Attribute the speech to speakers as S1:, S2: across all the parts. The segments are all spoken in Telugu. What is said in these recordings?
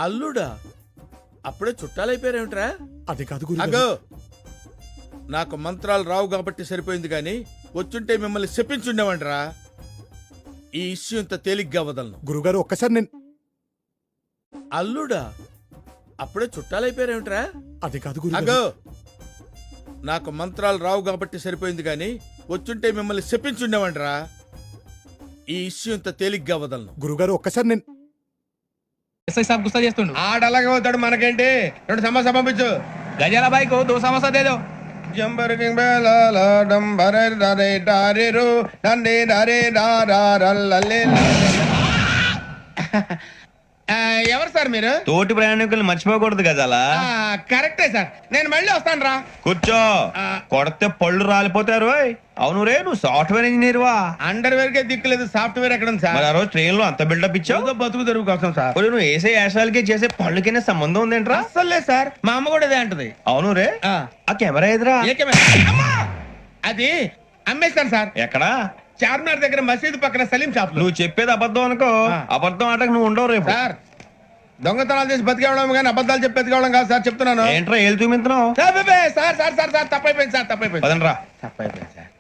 S1: అల్లుడా? అప్పుడే చుట్టాలైపోయారేమిట్రా?
S2: అది కాదు
S1: అగో, నాకు మంత్రాలు రావు కాబట్టి సరిపోయింది గాని వచ్చుంటే మిమ్మల్ని చెప్పించుండేవంటరా. ఈ ఇష్యూ ఇంత తేలిగ్గా వదలను.
S2: గురుగారు ఒక్కసారి నేను
S1: అల్లుడా? అప్పుడే చుట్టాలైపోయారేమిట్రా?
S2: అది కాదు
S1: అగో, నాకు మంత్రాలు రావు కాబట్టి సరిపోయింది గాని వచ్చుంటే మిమ్మల్ని చెప్పించుండేవంటరా. ఈ ఇష్యూ ఇంత తేలిగ్గా వదలను.
S2: గురుగారు ఒక్కసారి నేను
S3: ఎస్ఐ సాబ్ గుస్తా చేస్తుండు.
S4: ఆడలాగే పోతాడు, మనకేంటి? 2 సమోసా పంపించు.
S3: గజాల బైక్ 2 సమోసా దేదో.
S4: జంబరకింగ్ బేలాల డంబరే డరే డారేరు డండే డరే డారారల్లలే. ఎవరు సార్ మీరు?
S5: తోటి ప్రయాణికులు మర్చిపోకూడదు గజాల.
S4: కరెక్టే సార్, నేను మళ్ళీ వస్తాను రా.
S5: కూర్చో, కొడితే పళ్ళు రాలిపోతారు. అవును రే, నువ్వు సాఫ్ట్వేర్ ఇంజనీర్ వా?
S4: అండర్వేర్ కే దిక్కులేదు, సాఫ్ట్వేర్ ఎక్కడ ఉంది సార్?
S5: మరి ఆ రోజు ట్రైన్ లో అంత బిల్డప్ ఇచ్చావు.
S4: బతుకు తెరువు కోసం సార్.
S5: నువ్వు వేసే యాశాలకి చేసే పళ్ళకైనా సంబంధం ఉందేంట్రా?
S4: అస్సలే సార్, మా అమ్మ కూడా ఇదే అంటది.
S5: అవును రే, ఆ కెమెరా ఎదురా?
S4: ఏ కెమెరా? అమ్మా! అది అమ్మేస్తాను సార్.
S5: ఎక్కడా?
S4: చార్మినార్ దగ్గర మసీదు పక్కన సలీం షాప్.
S5: నువ్వు చెప్పేది అబద్ధం అనుకో, అబద్ధం ఆటకు నువ్వు ఉండవు రేపు.
S4: సార్, దొంగతనాలు చేసి బతికేవడం కానీ అబద్ధాలు చెప్పి బతికేవడం కాదు సార్, చెప్తున్నాను.
S5: ఏంట్రా ఏళ్ళు చూపించినావు?
S4: Sir sir sir sir sir తప్పైపోయింది సార్, తప్పైపోయింది.
S5: పదండ్రా.
S4: తప్పైపోయింది సార్.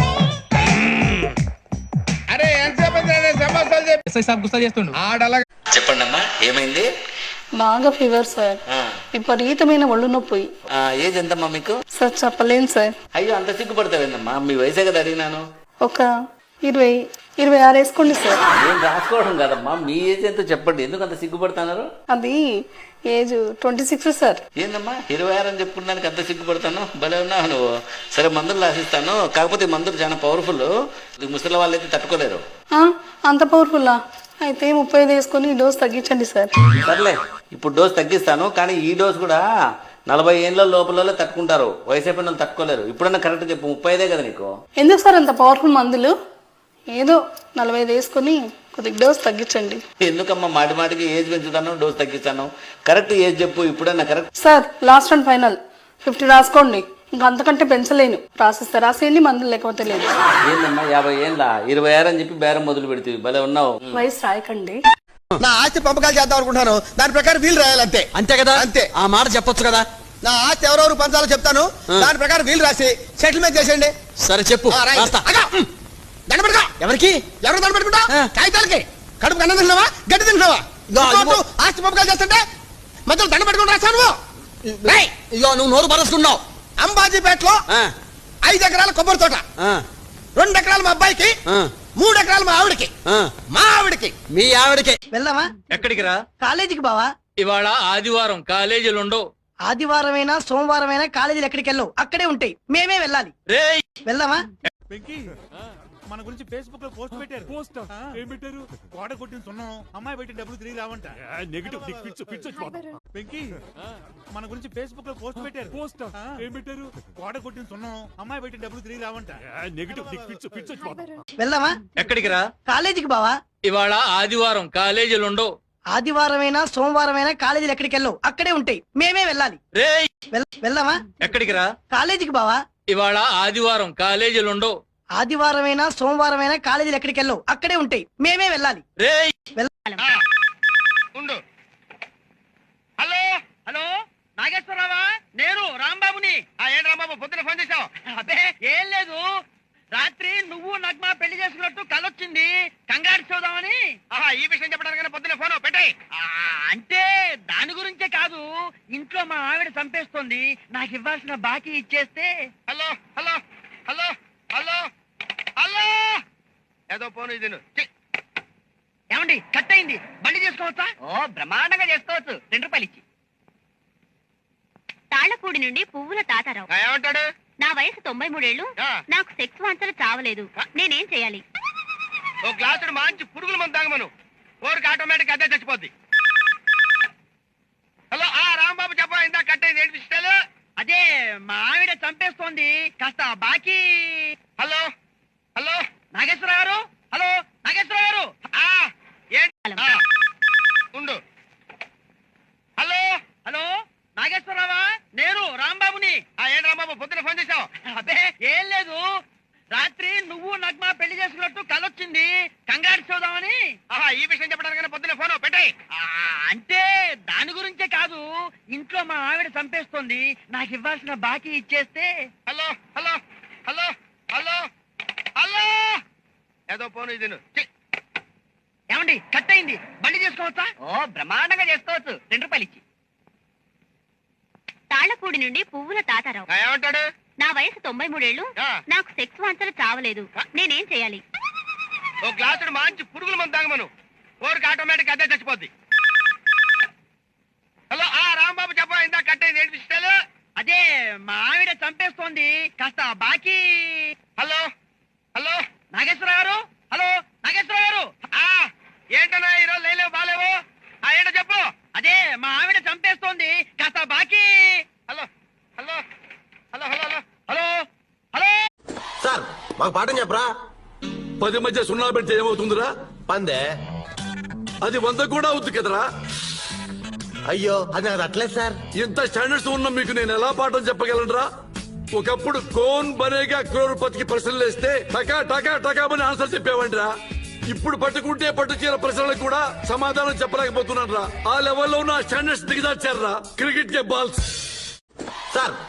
S4: అరే ఎంతసేపు సమస్యలు చెప్పి
S3: ఎస్ఐ సాబ్ గుస్తా చేస్తుండు.
S4: ఆడలా.
S6: చెప్పండి అమ్మా, ఏమైంది?
S7: బాగా ఫీవర్ సార్, విపరీతమైన ఒళ్ళు నొప్పి.
S6: ఏజ్ ఎంతమ్మా మీకు?
S7: సార్ చెప్పలేను సార్.
S6: అయ్యో, అంత సిగ్గుపడతావేందమ్మా? మీ వయసే కదా అడిగినాను.
S7: ఒక 20-26 వేసుకోండి సార్.
S6: ఏం రాసుకోవడం కదమ్మా, మీ ఏజ్ ఎంతో చెప్పండి. ఎందుకు అంత సిగ్గుపడుతున్నారు?
S7: అది ఏజ్ 26 సార్.
S6: ఏందమ్మా 26 అని చెప్పుకున్నానికి అంత సిగ్గుపడతాను? భలే ఉన్నావు నువ్వు. సరే, మందులు రాసిస్తాను, కాకపోతే ఈ మందులు చాలా పవర్ఫుల్, ముసలి వాళ్ళు అయితే తట్టుకోలేరు.
S7: అంత పవర్ఫుల్లా? అయితే 35 వేసుకొని ఈ డోస్ తగ్గించండి సార్.
S6: సర్లే, ఇప్పుడు డోస్ తగ్గిస్తాను, కానీ ఈ డోస్ కూడా 40 ఏళ్ళ లోపల తట్టుకుంటారు, వయసు అయిపోయిన వాళ్ళు తట్టుకోలేరు. ఇప్పుడన్నా కరెక్ట్ చెప్పు, 35 కదా నీకు?
S7: ఎందుకు సార్ అంత పవర్ఫుల్ మందులు? ఏదో 45 వేసుకొని కొద్దిగా డోస్ తగ్గించండి.
S6: ఎందుకమ్మా మాటి మాటికి ఏజ్ పెంచుతాను, డోస్ తగ్గిస్తాను? కరెక్ట్ ఏజ్ చెప్పు, ఇప్పుడన్నా correct.
S7: Sir last and final 50 రాసుకోండి, ఇంకా అంతకంటే పెంచలేను. రాసిస్తే రాసేయండి, మందులు లేకపోతే లేదు.
S6: ఏందమ్మా 50 ఏళ్ళ 26 అని చెప్పి బేరం మొదలు పెడితే భలే ఉన్నావు.
S7: వయసు రాయకండి.
S4: నా ఆస్తి పంపకాలు చేద్దాం అనుకుంటున్నాను, దాని ప్రకారం వీలు రాయాలంతే.
S8: అంతే కదా?
S4: అంతే.
S8: ఆ మాట చెప్పొచ్చు కదా.
S4: నా ఆస్తి ఎవరెవరు పంచాలో చెప్తాను, దాని ప్రకారం వీలు రాసి సెటిల్మెంట్ చేసేయండి.
S8: సరే చెప్పు. ఎవరికి?
S4: ఎవరు దండ పెట్టుకుంటా? కాగితాలకి. కడుపు అన్నం తింటున్నావా, గడ్డి తింటున్నావా? ఆస్తి పంపకాలు చేస్తుంటే మధ్యలో దండ పెట్టుకుని రాశాను.
S8: ఇగో నువ్వు నోరు పరచుకున్నావు.
S4: అంబాజీపేటలో 5 ఎకరాల కొబ్బరి తోట, 2 ఎకరాలు మా అబ్బాయికి, 3 ఎకరాలు మా ఆవిడకి. మా ఆవిడకి.
S8: మీ ఆవిడకి.
S9: వెళ్దామా?
S3: ఎక్కడికి రా?
S9: కాలేజీకి బావా.
S3: ఇవాళ ఆదివారం, కాలేజీలు ఉండవు.
S9: ఆదివారమైనా సోమవారమైనా కాలేజీలు ఎక్కడికి వెళ్ళవు, అక్కడే ఉంటాయి, మేమే వెళ్ళాలి.
S3: రేయ్,
S9: వెళ్దామా?
S2: మన గురించి ఫేస్బుక్ లో పోస్ట్ పెట్టారు. పోస్ట్ ఏం పెట్టారు? గోడ కొట్టిన సున్నం, అమ్మాయి బయట డబ్బులు తిరిగి రావంట. నెగిటివ్ వెంకీ, మన గురించి ఫేస్బుక్ లో పోస్ట్ పెట్టారు. పోస్ట్ ఏం పెట్టారు? గోడ కొట్టిన సున్నం, అమ్మాయి బయట డబ్బులు తిరిగి రావంట. నెగిటివ్
S9: వెళ్దామా?
S3: ఎక్కడికి రా?
S9: కాలేజీకి బావా.
S3: ఇవాళ ఆదివారం, కాలేజీలు ఉండవు.
S9: ఆదివారమైనా సోమవారమైనా కాలేజీలు ఎక్కడికి వెళ్ళవు, అక్కడే ఉంటాయి, మేమే వెళ్ళాలి.
S3: రేయ్,
S9: వెళ్దామా?
S3: ఎక్కడికి రా?
S9: కాలేజీకి బావా.
S3: ఇవాళ ఆదివారం, కాలేజీలు ఉండవు.
S9: ఆదివారమైనా సోమవారమైనా కాలేజీలు ఎక్కడికి వెళ్ళవు, అక్కడే ఉంటాయి, మేమే వెళ్ళాలి.
S3: రేయ్,
S4: ఉండు. హలో హలో, నాగేశ్వరరావా? నేను రాంబాబుని. ఏంటి రాంబాబు, పొద్దున ఫోన్ చేసావు?
S9: అదే ఏం లేదు, రాత్రి నువ్వు నగ్మ పెళ్లి చేసుకున్నట్టు కలొచ్చింది, కంగారు చూద్దామని.
S4: ఈ విషయం చెప్పడానికి పొద్దున ఫోన్ పెట్టాయి.
S9: అంటే దాని గురించే కాదు, ఇంట్లో మా ఆవిడ చంపేస్తోంది, నాకు ఇవ్వాల్సిన బాకీ ఇచ్చేస్తే.
S4: Hello hello hello hello hello, ఏదో ఫోన్ ఇది.
S9: ఏమండి, కట్ అయింది, బండి చేసుకోవచ్చా? ఓ బ్రహ్మాండంగా చేసుకోవచ్చు, 2 రూపాయలు ఇచ్చి.
S10: తాళ్లపూడి నుండి పువ్వుల తాతారావు.
S4: ఏమంటాడు?
S10: నా వయసు 93 ఏళ్ళు, నాకు సెక్స్ వాంఛలు చావలేదు, నేనేం చేయాలి?
S4: ఓ గ్లాసుడు మంచి పురుగుల మందు తాగమను, ఓరికి ఆటోమేటిక్ అదే చచ్చిపోద్ది. హలో రాంబాబు, చెప్ప, ఇందా కట్ అయింది, ఏంటి విషయాలు?
S9: అదే మా ఆవిడ చంపేస్తోంది, కాస్త బాకీ.
S4: హలో హలో
S9: నాగేశ్వర గారు, హలో నాగేశ్వర గారు.
S4: ఉండు. హలో
S9: హలో నాగేశ్వరరావా? నేను రాంబాబుని.
S4: ఏంటి రాంబాబు, పొద్దున ఫోన్ చేసావు?
S9: అదే ఏం లేదు, రాత్రి నువ్వు నగ్మ పెళ్లి చేసుకున్నట్టు కలొచ్చింది, కంగారు చూద్దామని.
S4: ఈ విషయం చెప్పడానికి పొద్దున ఫోన్ పెట్టాయి.
S9: అంటే ఇంట్లో మా ఆవిడ చంపేస్తోంది, నాకు ఇవ్వాల్సిన బాకీ ఇచ్చేస్తే.
S4: Hello hello hello hello hello ఏదో పోను ఇది
S9: ఏమండి, కట్ అయింది, బండి చేసుకోవచ్చా? ఓ బ్రహ్మాండంగా చేసుకోవచ్చు. 2 రూపాయలు ఇచ్చి.
S10: తాళ్లపూడి నుండి పువ్వుల తాతారావు.
S4: ఏమంటాడు?
S10: నా వయసు 93 ఏళ్ళు. నాకు సెక్స్ వాంఛలు చావలేదు. నేనేం చేయాలి?
S4: ఓ గ్లాసుడు మంచి పురుగుల మందు తాగమను, ఓరికి ఆటోమేటిక్ అదే చచ్చిపోద్ది. హలో రాంబాబు చెప్ప, ఇందా కట్ అయింది, ఏంటి విషయాలు?
S9: అదే మా ఆవిడ చంపేస్తోంది, కాస్త బాకీ.
S4: హలో హలో
S9: నాగేశ్వరరావు గారు, హలో నాగేశ్వరరావు గారు.
S4: ఏంటన్నా ఈరోజు లేలేవు బాలేవు? ఏంటో చెప్పు.
S9: అదే మా ఆవిడ చంపేస్తోంది, కాస్త బాకీ.
S4: Hello hello hello hello hello
S9: hello hello.
S8: Sir మాకు పాఠం చెప్పరా?
S11: 10 మధ్య 0 పెడితే ఏమవుతుందిరా?
S8: పందే.
S11: అది 100 కూడా అవుతుంది కదరా.
S8: అయ్యో అది నాకు అట్లేదు సార్.
S11: ఇంత స్టాండర్డ్స్ ఉన్న మీకు నేను ఎలా పాఠం చెప్పగలనరా? ఒకప్పుడు కోన్ బనేగా క్రోర్పతికి ప్రశ్నలు వేస్తే టకా టకా టకామని ఆన్సర్ చెప్పేవండిరా. ఇప్పుడు పట్టుకుంటే పట్టు చీర ప్రశ్నలకు కూడా సమాధానం చెప్పలేకపోతున్నాను రా. ఆ లెవెల్లో ఉన్న స్టాండర్డ్స్ దిగదార్చారా క్రికెట్ కే బాల్స్.
S8: సార్